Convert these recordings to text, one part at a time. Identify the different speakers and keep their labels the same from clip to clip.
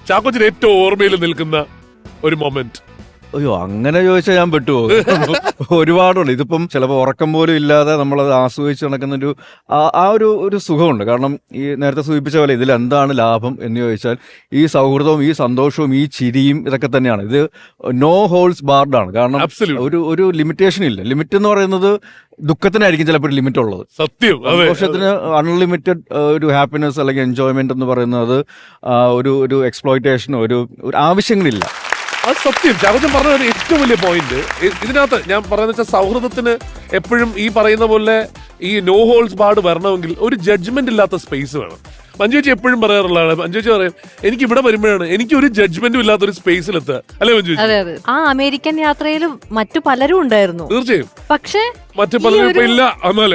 Speaker 1: ചാക്കോച്ചന് ഏറ്റവും ഓർമ്മയിൽ നിൽക്കുന്ന ഒരു മൊമെന്റ്?
Speaker 2: അയ്യോ, അങ്ങനെ ചോദിച്ചാൽ ഞാൻ പെട്ടുപോകും. ഒരുപാടുണ്ട്. ഇതിപ്പം ചിലപ്പോൾ ഉറക്കം പോലും ഇല്ലാതെ നമ്മളത് ആസ്വദിച്ച് നടക്കുന്നൊരു ഒരു സുഖമുണ്ട്. കാരണം ഈ നേരത്തെ സൂചിപ്പിച്ച പോലെ ഇതിൽ എന്താണ് ലാഭം എന്ന് ചോദിച്ചാൽ ഈ സൗഹൃദവും ഈ സന്തോഷവും ഈ ചിരിയും ഇതൊക്കെ തന്നെയാണ്. ഇത് നോ ഹോൾസ് ബാർഡാണ്. കാരണം ഒരു ലിമിറ്റേഷൻ ഇല്ല. ലിമിറ്റ് എന്ന് പറയുന്നത് ദുഃഖത്തിനായിരിക്കും ചിലപ്പോൾ ലിമിറ്റ് ഉള്ളത്.
Speaker 1: സത്യം.
Speaker 2: സന്തോഷത്തിന് അൺലിമിറ്റഡ് ഒരു ഹാപ്പിനെസ് അല്ലെങ്കിൽ എൻജോയ്മെന്റ് എന്ന് പറയുന്നത് ഒരു എക്സ്പ്ലോയിറ്റേഷൻ ഒരു ആവശ്യങ്ങളില്ല.
Speaker 1: അത് സത്യം. ചാക്കോച്ചൻ പറഞ്ഞ ഒരു ഏറ്റവും വലിയ പോയിന്റ് ഇതിനകത്ത് ഞാൻ പറയുന്നത് വെച്ചാൽ സൗഹൃദത്തിന് എപ്പോഴും ഈ പറയുന്ന പോലെ ഈ നോ ഹോൾസ് ബാർഡ് വരണമെങ്കിൽ ഒരു ജഡ്ജ്മെന്റ് ഇല്ലാത്ത സ്പേസ് വേണം. മഞ്ജു ചേച്ചി എപ്പോഴും പറയാറുള്ളതാണ്. മഞ്ജു ചേച്ചി പറയും, എനിക്ക് ഇവിടെ വരുമ്പോഴാണ് എനിക്ക് ഒരു ജഡ്ജ്മെന്റും ഇല്ലാത്ത ഒരു സ്പേസിലെത്തുക. അല്ലെ മഞ്ജു ചേച്ചി?
Speaker 3: അതെ അതെ. ആ അമേരിക്കൻ യാത്രയിൽ മറ്റു പലരും ഉണ്ടായിരുന്നു.
Speaker 1: തീർച്ചയായും.
Speaker 3: പക്ഷേ
Speaker 1: മറ്റു പലരും ഇപ്പൊ ഇല്ല.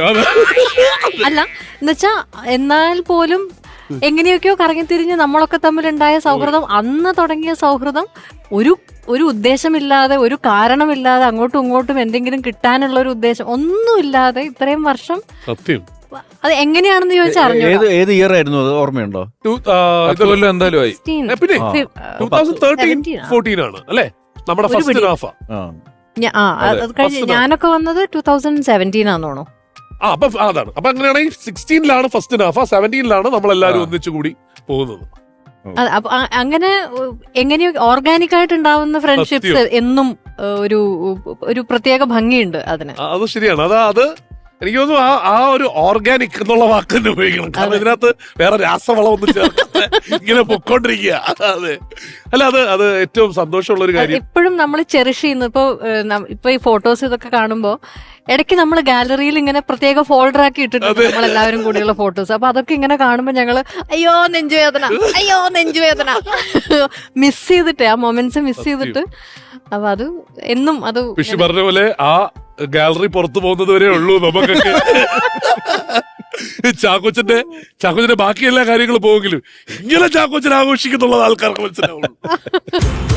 Speaker 3: അല്ല എന്നുവെച്ചാ എന്നാൽ പോലും എങ്ങനെയൊക്കെയോ കറങ്ങിത്തിരിഞ്ഞ് നമ്മളൊക്കെ തമ്മിലുണ്ടായ സൗഹൃദം, അന്ന് തുടങ്ങിയ സൗഹൃദം ഒരു ഉദ്ദേശമില്ലാതെ, ഒരു കാരണമില്ലാതെ, അങ്ങോട്ടും ഇങ്ങോട്ടും എന്തെങ്കിലും കിട്ടാനുള്ള ഒരു ഉദ്ദേശം ഒന്നുമില്ലാതെ ഇത്രയും വർഷം.
Speaker 1: സത്യം.
Speaker 3: അത് എങ്ങനെയാണെന്ന് ചോദിച്ചാൽ
Speaker 2: ഏത് ഇയർ ആയിരുന്നു അത് ഓർമ്മയുണ്ടോ?
Speaker 4: എന്തായാലും ആയി.
Speaker 1: പിന്നെ 2013-14 ആണ് അല്ലേ നമ്മുടെ ഫസ്റ്റ് ഹാഫ്.
Speaker 3: അത് കഴിഞ്ഞ് ഞാനൊക്കെ വന്നത് 2017 ആണെന്ന് തോന്നുന്നു.
Speaker 1: അപ്പൊ അതാണ്. അപ്പൊ അങ്ങനെയാണെങ്കിൽ 16 ഫസ്റ്റ് ഹാഫ്, 17 നമ്മളെല്ലാരും ഒന്നിച്ചുകൂടി പോകുന്നത്.
Speaker 3: അങ്ങനെ എങ്ങനെയോ ഓർഗാനിക് ആയിട്ട് ഉണ്ടാവുന്ന ഫ്രണ്ട്ഷിപ്സ് എന്നും ഒരു പ്രത്യേക ഭംഗിയുണ്ട് അതിന്.
Speaker 1: അത് ശരിയാണ്. അത് എനിക്ക് തോന്നുന്നു ആ ഒരു ഓർഗാനിക് എന്നുള്ള വാക്ക് തന്നെ ഉപയോഗിക്കണം. കാരണം ഇതിനകത്ത് വേറെ രാസവളം ഒന്നും ചേർക്കാതെ ഇങ്ങനെ പൊക്കോണ്ടിരിക്കുക. അതെ. അല്ല, അത് ഏറ്റവും സന്തോഷമുള്ള ഒരു കാര്യം.
Speaker 3: എപ്പോഴും നമ്മൾ ചെറിഷ് ചെയ്യുന്നു. ഇപ്പൊ ഈ ഫോട്ടോസ് ഇതൊക്കെ കാണുമ്പോ ഇടയ്ക്ക് നമ്മൾ ഗാലറിയിൽ ഇങ്ങനെ പ്രത്യേക ഫോൾഡർ ആക്കി ഇട്ടിട്ടുണ്ട് നമ്മളെല്ലാവരും കൂടിയുള്ള ഫോട്ടോസ്. അപ്പൊ അതൊക്കെ ഇങ്ങനെ കാണുമ്പോ ഞങ്ങള് അയ്യോ നെഞ്ചുവേദന മിസ് ചെയ്തിട്ട്, ആ മൊമെന്റ്സ് മിസ് ചെയ്തിട്ട്. അപ്പൊ അത് എന്നും അത്
Speaker 1: പറഞ്ഞ പോലെ ആ ഗാലറി പുറത്തു പോകുന്നത് വരെ ഉള്ളൂ നമുക്കൊക്കെ. ചാക്കോച്ചന്റെ ബാക്കി എല്ലാ കാര്യങ്ങളും പോവെങ്കിലും ഇങ്ങനെ ചാക്കോച്ചൻ ആഘോഷിക്കുന്നുള്ളത് ആൾക്കാർക്ക് മനസ്സിലാവുള്ളൂ.